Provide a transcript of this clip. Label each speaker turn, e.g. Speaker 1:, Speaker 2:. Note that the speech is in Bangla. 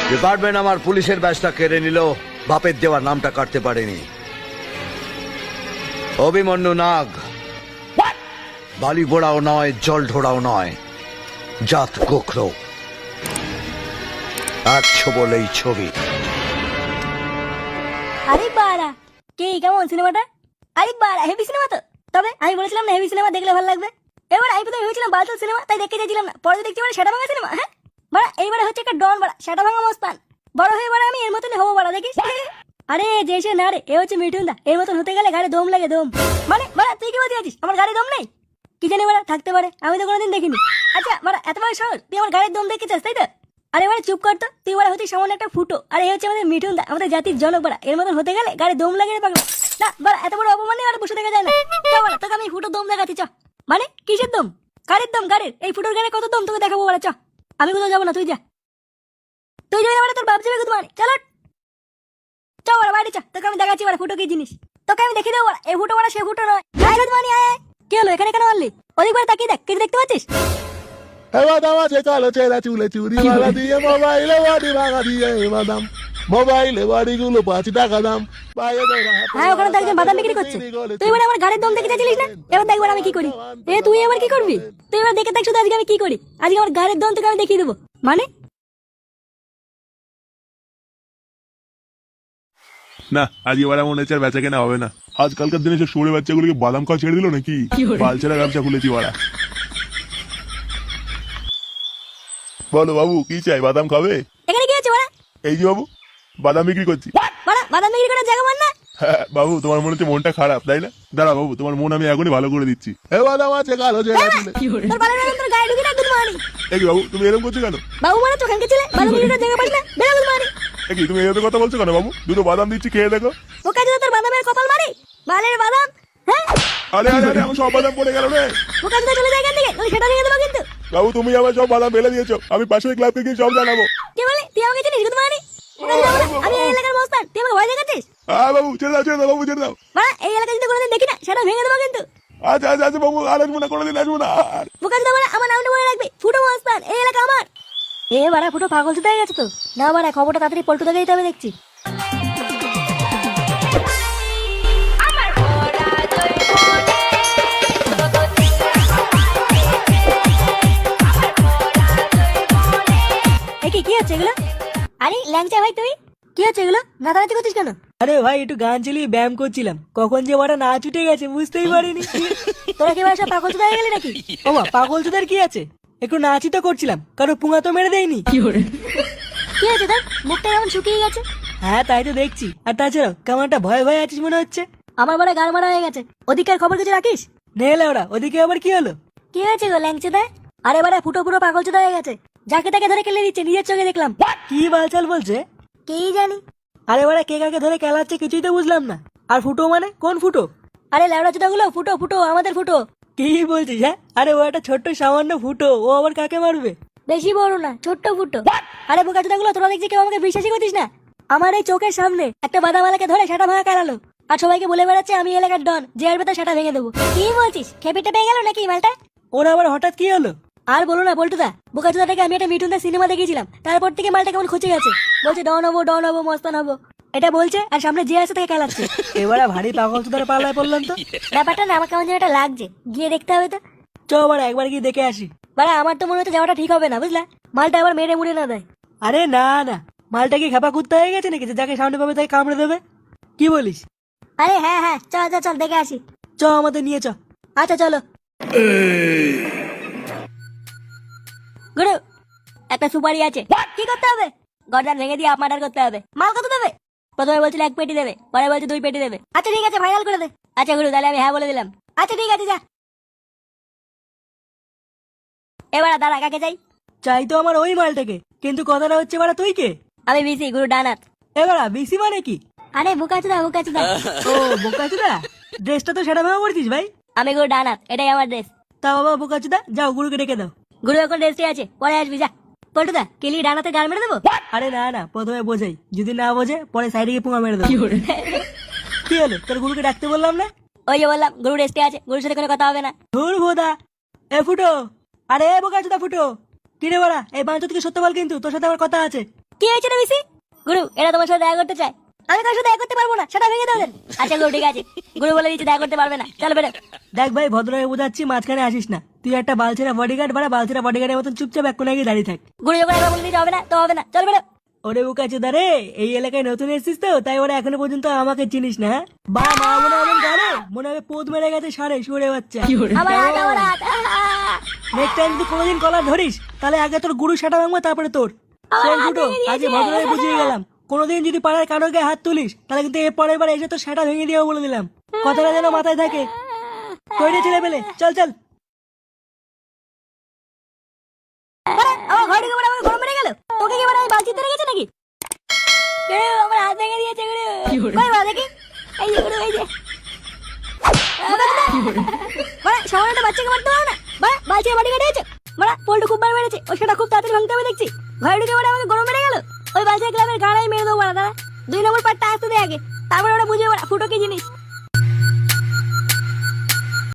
Speaker 1: ডিপার্টমেন্ট আমার পুলিশের ব্যাচটা কেড়ে নিল, বাপের দেওয়ার নামটা কাটতে পারেনি। অভিমন্যু নাগ বালি বোড়াও নয়, জল ঢোড়াও নয়, জাত গোখরো, এক বলেই ছবি।
Speaker 2: আরে বাড়া, কে কেমন সিনেমাটা? আরে বাড়া, হেভি সিনেমা তো। তবে আমি বলেছিলাম না হেভি সিনেমা দেখলে ভালো লাগবে। এবার আমি প্রথমে ভেবেছিলাম বালতাল সিনেমা, তাই দেখতে চাইছিলাম না। পরে দেখছি মানে সেটা ভাঙা সিনেমা। হ্যাঁ বাড়া, এইবারে হচ্ছে একটা ডন বাড়া, সেটা ভাঙা মস্তান। বড় হয়ে বাড়া আমি এর মতনই হবো বাড়া, দেখিস। আরে যে সে না রে, এ হচ্ছে মিঠুন দা। এর মতন হতে গেলে গাড়ি দম লাগে, দম। মানে বাড়া তুই কি বলতে আছিস আমার গাড়ি দম নেই? কি জানি বাড়া, থাকতে পারে, আমি তো কোনোদিন দেখিনি। আচ্ছা বাড়া, এত বড় শহর, তুই আমার গাড়ির দম দেখতে চাস তাই তো? আরে বাড়া চুপ কর তো, তুই বাড়া হচ্ছিস সামান্য একটা ফুটো। আর এই হচ্ছে আমাদের মিঠুন দা, আমাদের জাতির জনক বাড়া। এর মতন হতে গেলে গাড়ি দম লাগে রে পাগলা। না বাড়া, এত বড় অপমানে আর বসে দেখা যায় না। চ বাড়া, তোকে আমি ফুটো দম দেখাচ্ছি, চ। মানে কিসের দম? গাড়ির দম, গাড়ির। এই ফুটোর গাড়ি কত দম তোকে দেখাবো বাড়া, চ। আমি কোথাও যাবো না, তুই যা। তুই যাবি না বাড়া, তোর বাপ যাবে কোথাও। চলো চ বাড়া, বাইরে চ, তোকে আমি দেখাচ্ছি বাড়া ফুটো কি জিনিস। তোকে আমি দেখিয়ে দেবো বাড়া, এই ফুটো বাড়া সে ফুটো নয়। আয় গুদমানি, আয় আয়। কি হলো, এখানে কেন মারলি? ওদিক বাড়া তাকিয়ে দেখ, কিছু দেখতে পাচ্ছিস?
Speaker 3: বাদাম আছে কালো চেরা চুলে চুরি মারা দিয়ে মোবাইলে বাড়ি ভাঙা দিয়ে বাদাম মোবাইলে বাড়িগুলো 5 টাকা দাম।
Speaker 2: হ্যাঁ, ওখানে তো একজন বাদাম বিক্রি করছে। তুই এবার আমার গাড়ির দম দেখে চাইছিলিস না? এবার দেখ এবার আমি কি করি। তুই এবার কি করবি? তুই এবার দেখে দেখ শুধু আজকে আমি কি করি। আজকে আমার গাড়ির দম তোকে আমি দেখিয়ে দেবো। মানে
Speaker 3: না, আজকে এবার মনে হচ্ছে আর বেচা কেনা হবে না। আজকালকার দিনে সব শুয়োরের বাচ্চাগুলোকে বাদাম খাওয়া ছেড়ে দিল নাকি? বালছেরা ব্যবসা খুলেছি ওরা। বলো বাবু, কি চাই? বাদাম খাবে?
Speaker 2: এখানে কি আছে বাড়া?
Speaker 3: এই যে বাবু, বাদাম বিক্রি করছি।
Speaker 2: বাড়া, বাদাম বিক্রি করার জায়গা মান না?
Speaker 3: হ্যাঁ বাবু, তোমার মনে হচ্ছে মনটা খারাপ তাই না? দাঁড়া বাবু, তোমার মন আমি এখনই ভালো করে দিচ্ছি। বাদাম আছে কালো চেরা চুলে।
Speaker 2: তোর বালের বাদাম তোর গায়ে ঢুকে না গুদমানি।
Speaker 3: এই বাবু, তুমি এরকম করছো কেন?
Speaker 2: বাবু মানে চোখান কে ছিলে, বাদাম বিক্রি করার জায়গা পাস না, বেরো গুদমানি।
Speaker 3: কি তুমি এরকম কথা বলছো কেন বাবু? দুটো বাদাম দিচ্ছি, খেয়ে দেখো।
Speaker 2: ওকে যদি তোর বাদামের কপাল মারি, বালের বাদাম। হ্যাঁ
Speaker 3: আরে আরে আরে, আমার সব বাদাম পড়ে গেল রে।
Speaker 2: ওকে যদি চলে যায় এখান থেকে, তাহলে সেটা ভেঙে দেবো কিন্তু।
Speaker 3: বাবু, তুমি আমার সব বাদাম ফেলে দিয়েছো, আমি পাশের ক্লাবকে গিয়ে সব জানাবো।
Speaker 2: কি বলে তুই আমাকে চিনিস গুদমানি? আমি এই এলাকার মস্তান, তুই আমাকে ভয় দেখাচ্ছিস?
Speaker 3: হ্যাঁ বাবু, ছেড়ে দাও বাবু, ছেড়ে দাও।
Speaker 2: বাড়া, এই এলাকায় যদি কোনোদিন দেখি না, সেটা ভেঙে দেবো কিন্তু।
Speaker 3: আচ্ছা আচ্ছা আচ্ছা বাবু, আর আসবো না, কোনোদিন আসবো না আর।
Speaker 2: বোকাচ দা, আমার নামটা মনে রাখবি, ফুটো মস্তান, এই এলাকা আমার। এ বাড়া, ফুটো পাগল চুদা হয়ে গেছে তো। না বাড়া, খবরটা তাড়াতাড়ি পল্টু দাকে দিতে হবে দেখছি। কি হচ্ছে এগুলো? আরে ল্যাংচা ভাই, তুই কি হচ্ছে এগুলো? নাচানাচি করছিস কেন?
Speaker 4: আরে ভাই, একটু গান চালিয়ে ব্যায়াম করছিলাম, কখন যে ওরা নাচ উঠে গেছে বুঝতেই পারিনি।
Speaker 2: তোরা কি সব পাগল চুদা হয়ে গেলি নাকি?
Speaker 4: ওমা, পাগল চোদার কি আছে, একটু নাচই তো করছিলাম, কারো পুঙা তো মেরে দেয়নি।
Speaker 2: কি হচ্ছে তোর? মুখটা কেমন শুকিয়ে গেছে।
Speaker 4: হ্যাঁ তাই তো দেখছি। আর তাছাড়াও কেমন একটা ভয় ভয় আছিস মনে হচ্ছে।
Speaker 2: আমার বড় গাড় মারা হয়ে গেছে। ওদিকের খবর কিছু রাখিস?
Speaker 4: নেলে ওরা, ওদিকে আবার কি হলো?
Speaker 2: কি হয়েছে গো ল্যাংচা? আরে বাড়া, ফুটো পুরো পাগল চোদা হয়ে গেছে। যাকে তাকে ধরে কেলে দিচ্ছে, নিজের চোখে দেখলাম।
Speaker 4: কি বালচাল বলছে?
Speaker 2: কি জানি।
Speaker 4: আরে ওরা কে কাকে ধরে খেলাচ্ছে কিছুই তো বুঝলাম না। আর ফুটো মানে কোন ফুটো?
Speaker 2: আরে ল্যাবড়া চোদা গুলো, ফুটো ফুটো, আমাদের ফুটো।
Speaker 4: কি বলছিস? হ্যাঁ, আরে ও একটা ছোট্ট সামান্য ফুটো, ও আবার কাকে মারবে?
Speaker 2: বেশি বড় না, ছোট্ট ফুটো। আরে বোকা চোদা গুলো, তোরা দেখছি কেউ আমাকে বিশ্বাসই করছিস না। আমার এই চোখের সামনে একটা বাদামালাকে ধরে সেটা ভাঙা কারালো। আর সবাইকে বলে বেড়াচ্ছে আমি এলাকার ডন, যে আসবে তার সেটা ভেঙে দেবো। কি বলছিস? খেপিটা পেয়ে গেল নাকি মালটা?
Speaker 4: ওরা আবার হঠাৎ কি হলো?
Speaker 2: আর বলো না বল্টুদা, বোকা চোদাটাকে আমি একটা মিঠুনদার সিনেমা দেখেছিলাম, তারপর থেকে মালটা কেমন খুঁজে গেছে। বলছে ডন হবো, ডন হবো, মস্তান হবো, এটা বলছে। আর সামনে যে আছে তাকে খেলাচ্ছে।
Speaker 4: এবারে ভারী পাগল চোদার পাল্লায় পড়লাম তো।
Speaker 2: ব্যাপারটা না আমার কেমন যেন একটা লাগছে, গিয়ে দেখতে হবে তো।
Speaker 4: চ আবার একবার গিয়ে দেখে আসি।
Speaker 2: বাড়া, আমার তো মনে হচ্ছে যাওয়াটা ঠিক হবে না, বুঝলা? মালটা আবার মেরে মুড়ে না দেয়।
Speaker 4: আরে না না, মালটা কি খেপা কুত্তা হয়ে গেছে নাকি যে যাকে সামনে পাবে তাকে কামড়ে দেবে? কি বলিস?
Speaker 2: আরে হ্যাঁ হ্যাঁ, চল চল চল, দেখে আসি।
Speaker 4: চ আমাদের নিয়ে চ।
Speaker 2: আচ্ছা চলো। গুরু, একটা সুপারি আছে। কি করতে হবে? গর্দান ভেঙে দিয়ে আপ মার্ডার করতে হবে। মাল কত দেবে? প্রথমে বলছিল 1 পেটি দেবে, পরে বলছে 2 পেটি দেবে। আচ্ছা ঠিক আছে, ফাইনাল করে দে। আচ্ছা গুরু, তাহলে আমি হ্যাঁ বলে দিলাম। আচ্ছা ঠিক আছে, যা। এবার দাঁড়া, কাকে চাই?
Speaker 4: চাই তো আমার ওই মালটাকে, কিন্তু কথাটা হচ্ছে বাড়া তুই কে?
Speaker 2: আমি বিসি, গুরু ডানাত।
Speaker 4: এবারা বিসি মানে কি?
Speaker 2: আরে বুকাচুদা, বুকাচুদা।
Speaker 4: ও বোকাচুদা, ড্রেসটা তো সেটা ভাবে পড়ছিস ভাই।
Speaker 2: আমি গুরু ডানাত, এটাই আমার ড্রেস।
Speaker 4: তা বাবা বোকাচুদা, যাও গুরুকে ডেকে দাও।
Speaker 2: গুরু এখন রেস্টে আছে, পরে আসবি, যা। পল্টুদা, কেলি ডানাতে গাল মেরে দেবো?
Speaker 4: আরে না না, প্রথমে বোঝাই, যদি না বোঝে পরে সাইডে গিয়ে পুঙা মেরে দেবো। কি হলো, তোর গুরুকে ডাকতে বললাম না?
Speaker 2: ওই যে বললাম, গুরু রেস্টে আছে, গুরুর সাথে কোনো কথা হবে না।
Speaker 4: ধুর ভোদা। এ ফুটো, আরে এ বোকাচুদা ফুটো, কি রে বাড়া, এই বাঞ্চ থেকে সত্য বল, কিন্তু তোর সাথে আমার কথা আছে।
Speaker 2: কি হয়েছে রে বিসি? গুরু, এরা তোমার সাথে দেখা করতে চায়। আমি কার সাথে দেখা করতে পারবো না, সেটা ভেঙে দাও দেন। আচ্ছা গুরু, ঠিক আছে। গুরু বলে দিচ্ছে দেখা করতে পারবে না, চল বেরো।
Speaker 4: দেখ ভাই, ভদ্রভাবে বোঝাচ্ছি, মাঝখানে আসিস না। তুই একটা বালছেরা বডিগার্ড, বাড়া বালছেরা বডিগার্ডের মতন চুপচাপ এক কোণে গিয়ে দাঁড়িয়ে থাক।
Speaker 2: গুরু যখন একবার বলে দিতে হবে না তো হবে না, চল বেরো।
Speaker 4: ওরে বোকা চোদা রে, এই এলাকায় নতুন এসেছিস তো, তাই ওরা এখনো পর্যন্ত আমাকে চিনিস না, হ্যাঁ? বা মা মনে হবে গাড়ে, মনে হবে পোদ মেরে গেছে সারে সুরে বাচ্চা।
Speaker 2: আমার হাত, আমার হাত।
Speaker 4: নেক্সট টাইম যদি কোনোদিন কলার ধরিস, তাহলে আগে তোর গুরু সেটা ভাঙবো, তারপরে তোর। শোন ফুটো, আজকে ভদ্রভাবে বুঝিয়ে গেলাম, কোনোদিন যদি পাড়ার কারো গায়ে হাত তুলিস, তাহলে কিন্তু এর পরের বার এসে তোর সেটা ভেঙে দিয়েও বলে দিলাম। কথাটা যেন মাথায় থাকে। তৈরি ছেলে পেলে, চল চল।
Speaker 2: বাড়া, আমার ঘরে ঢুকে বাড়া আমাকে গরম মেরে গেল। তোকে কি বাড়া এই বালতিতে রেখেছে নাকি? গুরু, আমার হাত ভেঙে দিয়েছে গুরু। কই বাড়া দেখি। এই যে গুরু, এই যে। বাড়া, সামান্য একটা বাচ্চাকে মারতে পারো না? বাড়া, বালতির বাড়ি কেটে গেছে। বাড়া, পোল্টু খুব বার মেরেছে। ও সেটা খুব তাড়াতাড়ি ভাঙতে হবে দেখছি। ঘরে ঢুকে বাড়া আমাকে গরম মেরে গেল। ওই বালতির ক্লাবের গাড়াই মেরে দেবো বাড়া, দাঁড়া। 2 নম্বর পার্টটা আসতে দে আগে, তারপরে ওরা বুঝবে বাড়া ফুটো কি জিনিস।